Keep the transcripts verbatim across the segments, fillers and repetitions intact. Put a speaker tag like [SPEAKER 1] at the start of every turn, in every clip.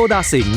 [SPEAKER 1] ดาสิงห์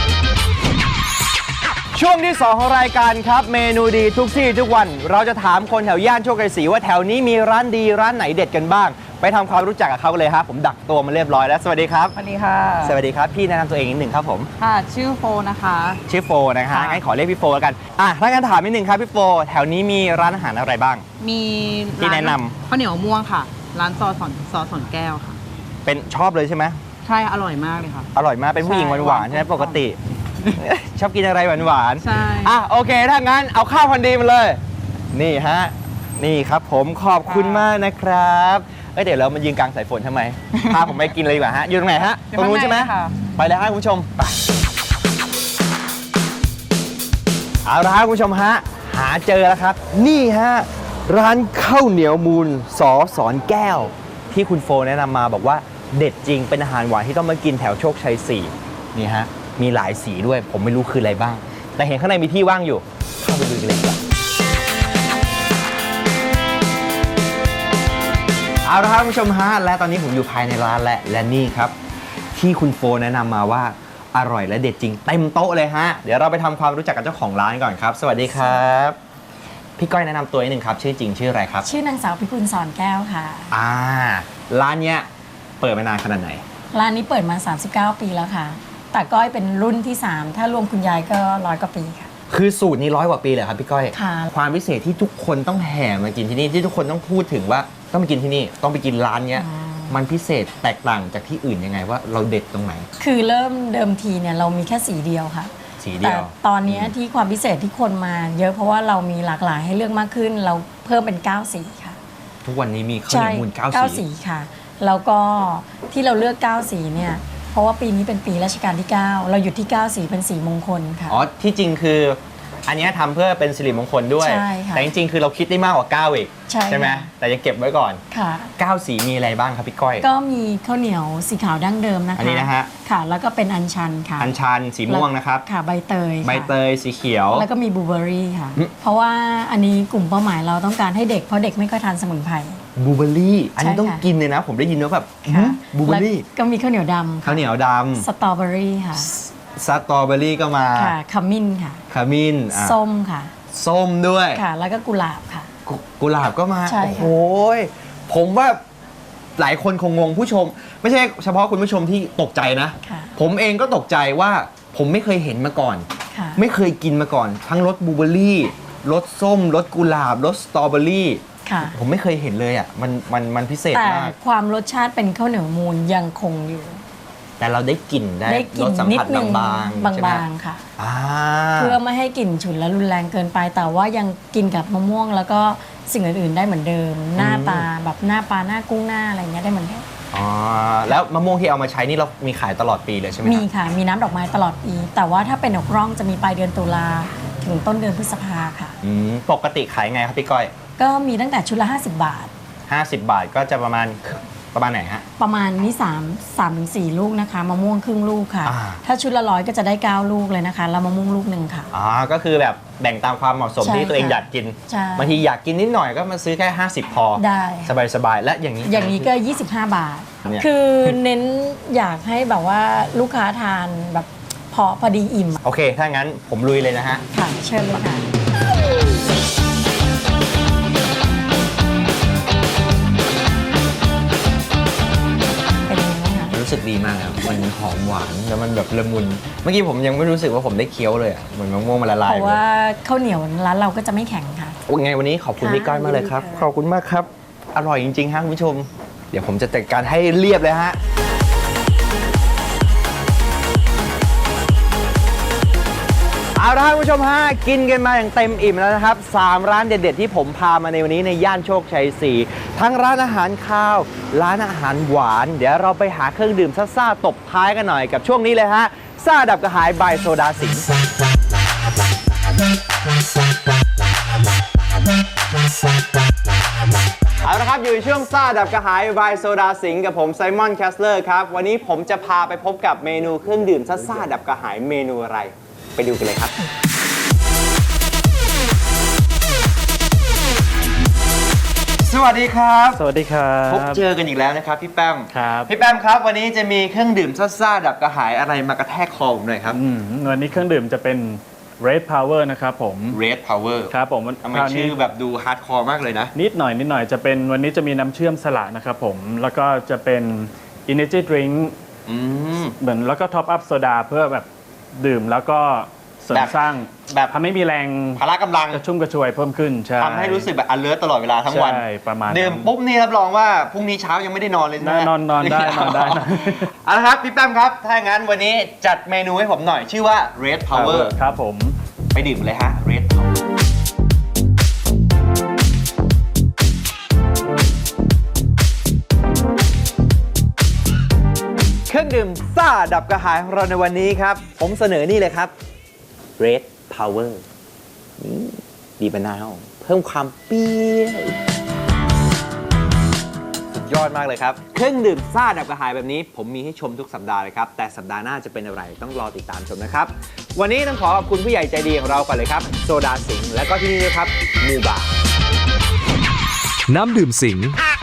[SPEAKER 2] ช่วงที่สองของรายการครับเมนูดีทุกที่ทุกวันเราจะถามคนแถวย่านโชคชัยศรีว่าแถวนี้มีร้านดีร้านไหนเด็ดกันบ้างไปทำความรู้จักกับเขาเลยครับผมดักตัวมาเรียบร้อยแล้วสวัสดีครับ
[SPEAKER 3] สวัสดีค่ะ
[SPEAKER 2] สวัสดีครับพี่แนะนำตัวเองนิดหนึ่งครับผม
[SPEAKER 3] ค่ะชื่อโฟนะคะ
[SPEAKER 2] ชื่อโฟนะคะงั้นขอเรียกพี่โฟแล้วกันอ่ะถ้างั้นถามนิดหนึ่งครับพี่โฟแถวนี้มีร้านอาหารอะไรบ้าง
[SPEAKER 3] มี
[SPEAKER 2] ที่แนะนำ
[SPEAKER 3] ข้าวเหนียวม่วงค่ะร้านซอสอนซอสอนแก้วค่ะ
[SPEAKER 2] เป็นชอบเลยใช่ไหม
[SPEAKER 3] ใช่อร่อยมากเลยค่ะ
[SPEAKER 2] อร่อยมากเป็นผู้หญิงหวานๆใช่ไหมปกติชอบกินอะไรหวานๆ
[SPEAKER 3] ใช่
[SPEAKER 2] อ่ะโอเคถ้างั้นเอาข้าวพันดีมาเลยนี่ฮะนี่ครับผมขอบคุณมากนะครับเอ้ยเดี๋ยวเรามายืนกลางสายฝนทำไมพาผมไปกินเลยดีกว่าฮะอยู่ตรงไหนฮะตรงนู้นใช่ไหมไปเลยฮะคุณผู้ชมไปเอาละครับคุณผู้ชมฮะหาเจอแล้วครับนี่ฮะร้านข้าวเหนียวมูลสอสอนแก้วที่คุณโฟแนะนำมาบอกว่าเด็ดจริงเป็นอาหารหวานที่ต้องมากินแถวโชคชัยสี่นี่ฮะมีหลายสีด้วยผมไม่รู้คืออะไรบ้างแต่เห็นข้างในมีที่ว่างอยู่เข้าไปดูกันเลยครับเอาละครับคุณผู้ชมฮะและตอนนี้ผมอยู่ภายในร้านและและนี่ครับที่คุณโฟแนะนำมาว่าอร่อยและเด็ดจริงเต็มโต๊ะเลยฮะเดี๋ยวเราไปทำความรู้จักกับเจ้าของร้านก่อนครับสวัสดีครับพี่ก้อยแนะนำตัวนิดนึงครับชื่อจริงชื่ออะไรครับ
[SPEAKER 4] ชื่อนางสาวพิกุลสอนแก้วค่ะ
[SPEAKER 2] อ่าร้านเนี้ยเปิดมานานขนาดไหน
[SPEAKER 4] ร้านนี้เปิดมาสามสิบเก้าปีแล้วค่ะแต่ก้อยเป็นรุ่นที่สามถ้ารวมคุณยายก็ร้อยกว่าปีค่ะ
[SPEAKER 2] คือสูตรนี้ร้อยกว่าปีเลยครับพี่ก้อย
[SPEAKER 4] ค่ะ
[SPEAKER 2] ความพิเศษที่ทุกคนต้องแห่มากินที่นี่ที่ทุกคนต้องพูดถึงว่าต้องไปกินที่นี่ต้องไปกินร้านเนี้ยมันพิเศษแตกต่างจากที่อื่นยังไงว่าเราเด็ดตรงไหน
[SPEAKER 4] คือเริ่มเดิมทีเนี่ยเรามีแค่สีเดียวค่ะ
[SPEAKER 2] สีเดียว
[SPEAKER 4] แต่ตอนนี้ที่ความพิเศษที่คนมาเยอะเพราะว่าเรามีหลากหลายให้เลือกมากขึ้นเราเพิ่มเป็นเก้าสีค่ะ
[SPEAKER 2] ทุกวันนี้มีข้าวเหนียวมูลเก้าสี
[SPEAKER 4] เก้าสีค่ะแล้วก็ที่เราเลือกเก้าสีเนี่ยเพราะว่าปีนี้เป็นปีรัชกาลที่เก้าเราหยุดที่เก้าสีเป็นสีมงคลค่ะ
[SPEAKER 2] อ๋อที่จริงคืออันนี้ทำเพื่อเป็นสิริมงคลด้วยแต่จริงๆคือเราคิดได้มากกว่าเก้าอีกใช่ไหมแต่จะเก็บไว้ก่อน
[SPEAKER 4] ค่ะ
[SPEAKER 2] เก้าสีมีอะไรบ้างครับพี่ก้อย
[SPEAKER 4] ก็มีข้าวเหนียวสีขาวดั้งเดิมนะคะ
[SPEAKER 2] อันนี้นะฮะ
[SPEAKER 4] ค่ะแล้วก็เป็นอัญชันค่ะ
[SPEAKER 2] อัญชันสีม่วงนะครับ
[SPEAKER 4] ค่ะใบเตย
[SPEAKER 2] ใบเตยสีเขียว
[SPEAKER 4] แล้วก็มีบลูเบอร์รี่ค่ะเพราะว่าอันนี้กลุ่มเป้าหมายเราต้องการให้เด็กเพราะเด็กไม่ค่อยทานสมุนไพร
[SPEAKER 2] บลูเบอร์รี่อันนี้ต้องกินเลยนะผมได้ยินว่าแบบบลูเบอร์รี่
[SPEAKER 4] ก็มีข้าวเหนียวดำ
[SPEAKER 2] ข้าวเหนียวดำ
[SPEAKER 4] สตรอเบอรี่ค่ะ
[SPEAKER 2] สตรอเบอรี่ก็มา
[SPEAKER 4] ค่ะขมิ้นค่ะ
[SPEAKER 2] ขมิ้น
[SPEAKER 4] ส้มค่ะ
[SPEAKER 2] ส้มด้วย
[SPEAKER 4] ค่ะแล้วก็กุหลาบค่ะ
[SPEAKER 2] กุหลาบก็มา
[SPEAKER 4] โอ้
[SPEAKER 2] โหผมว่าหลายคนคงงงผู้ชมไม่ใช่เฉพาะคุณผู้ชมที่ตกใจนะผมเองก็ตกใจว่าผมไม่เคยเห็นมาก่อนไม่เคยกินมาก่อนทั้งรสบลูเบอร์รี่รสส้มรสกุหลาบรสสตรอเบอรี่ผมไม่เคยเห็นเลยอ่ะมันมันมันพิเศษมาก
[SPEAKER 4] แต่ความรสชาติเป็นข้าวเหนียวมูลยังคงอยู่
[SPEAKER 2] แต่เราได้กลิ่นได้รสสัมผัสบาง
[SPEAKER 4] ๆบางๆค่ะเพื่อไม่ให้กลิ่นฉุนและรุนแรงเกินไปแต่ว่ายังกินกับมะม่วงแล้วก็สิ่งอื่นๆได้เหมือนเดิมหน้าตาแบบหน้าปลาหน้ากุ้งหน้าอะไรเงี้ยได้เหมือนเดิม
[SPEAKER 2] อ๋อแล้วมะม่วงที่เอามาใช้นี่เรามีขายตลอดปีเลยใช่ไหม
[SPEAKER 4] มีค่ะมีน้ำดอกไม้ตลอดปีแต่ว่าถ้าเป็นดอกร่องจะมีปลายเดือนตุลาถึงต้นเดือนพฤษภาค่ะ
[SPEAKER 2] ปกติขายไงครับพี่ก้อย
[SPEAKER 4] ก็มีตั้งแต่ชุดละห้าสิบบาท
[SPEAKER 2] ห้าสิบบาทก็จะประมาณประมาณไหนฮะ
[SPEAKER 4] ประมาณนี้สามสามถึงสี่ลูกนะคะมะม่วงครึ่งลูกค่ะถ้าชุดละร้อยก็จะได้เก้าลูกเลยนะคะแล้วมะม่วงลูกหนึ่งค่ะ
[SPEAKER 2] อ๋อก็คือแบบแบ่งตามความเหมาะสมที่ตัวเองอยากกินบางทีอยากกินนิดหน่อยก็มาซื้อแค่ห้าสิบพอ
[SPEAKER 4] ได้
[SPEAKER 2] สบายๆและอย่างนี้
[SPEAKER 4] อย่างนี้ก็ยี่สิบห้าบาทคือเน้นอยากให้แบบว่าลูกค้าทานแบบพอพอดีอิ่ม
[SPEAKER 2] โอเคถ้างั้นผมลุยเลยนะฮะ
[SPEAKER 4] ค่ะเชิญเลยค่ะ
[SPEAKER 2] รู้สึกดีมากครับมันหอมหวานแล้วมันแบบละมุนเมื่อกี้ผมยังไม่รู้สึกว่าผมได้เคี้ยวเลยอ่ะเหมือนมะม่วงมันละลาย
[SPEAKER 4] เพราะว่าข้าวเหนียวร้านเราก็จะไม่แข็งค่ะ
[SPEAKER 2] โอ้ไงวันนี้ขอบคุณพี่ก้อยมากเลยครับขอบคุณมากครับอร่อยจริงๆฮะคุณผู้ชมเดี๋ยวผมจะจัดการให้เรียบเลยฮะเอาละคุณผู้ชมฮะกินกันมาอย่างเต็มอิ่มแล้วนะครับสามร้านเด็ดๆที่ผมพามาในวันนี้ในย่านโชคชัยสี่ทั้งร้านอาหารข้าวร้านอาหารหวานเดี๋ยวเราไปหาเครื่องดื่มซ่าๆตบท้ายกันหน่อยกับช่วงนี้เลยฮะซ่าดับกระหายบายโซดาสิงห์เอาละครับอยู่ในช่วงซ่าดับกระหายบายโซดาสิงห์กับผมไซมอนแคสเลอร์ครับวันนี้ผมจะพาไปพบกับเมนูเครื่องดื่มซ่าๆดับกระหายเมนูอะไรไปดูกันเลยครับสวัสดีครับ
[SPEAKER 1] สวัสดีครับ
[SPEAKER 2] พบเจอกันอีกแล้วนะครับพี่แป้ม
[SPEAKER 1] ครับ
[SPEAKER 2] พี่แป้มครับวันนี้จะมีเครื่องดื่มซ่าๆดับกระหายอะไรมากระแทกคอผมหน่อยครับ
[SPEAKER 1] อืมวันนี้เครื่องดื่มจะเป็น Red Power นะครับผม
[SPEAKER 2] Red Power
[SPEAKER 1] ครับผม
[SPEAKER 2] ทำไม
[SPEAKER 1] คราวนี้
[SPEAKER 2] ชื่อแบบดูฮาร์ดคอร์มากเลยนะ
[SPEAKER 1] นิดหน่อยนิดหน่อยจะเป็นวันนี้จะมีน้ำเชื่อมสละนะครับผม แล้วก็จะเป็น Energy Drink
[SPEAKER 2] อืม
[SPEAKER 1] เหมือนแล้วก็ท็อปอัพโซดาเพื่อแบบดื่มแล้วก็เสริ
[SPEAKER 2] แบ
[SPEAKER 1] ม
[SPEAKER 2] บ
[SPEAKER 1] สร้าง
[SPEAKER 2] แบบ
[SPEAKER 1] ทำให้มีแรง
[SPEAKER 2] พละกำลัง
[SPEAKER 1] กระชุ่มกระชวยเพิ่มขึ้นใช่
[SPEAKER 2] ทำให้รู้สึกแบบ alert ตลอดเวลาทั้งวัน
[SPEAKER 1] ใช่ประมาณนั้น
[SPEAKER 2] ดื่มปุ๊บนี่รับรองว่าพรุ่งนี้เช้ายังไม่ได้นอนเลยใช่ไหม
[SPEAKER 1] นอนนอนได้นอนได้นะ
[SPEAKER 2] เอาละครับพี่แป้มครับ ถ้าอย่างนั้นวันนี้จัดเมนูให้ผมหน่อยชื่อว่า Red Power
[SPEAKER 1] ครับผม
[SPEAKER 2] ไปดื่มเลยฮะ Red Power เครื่องดื่มซ่าดับกระหายของเราในวันนี้ครับ ผมเสนอนี่เลยครับ Red Power นี่บีบมะนาวเพิ่มความเปรี้ยวสุดยอดมากเลยครับ เครื่องดื่มซ่าดับกระหายแบบนี้ ผมมีให้ชมทุกสัปดาห์เลยครับ แต่สัปดาห์หน้าจะเป็นอะไรต้องรอติดตามชมนะครับ วันนี้ต้องขอขอบคุณผู้ใหญ่ใจดีของเราก่อนเลยครับ โซดาสิงห์และก็ที่นี่ด้วยครับมูบา
[SPEAKER 5] น้ำดื่มสิง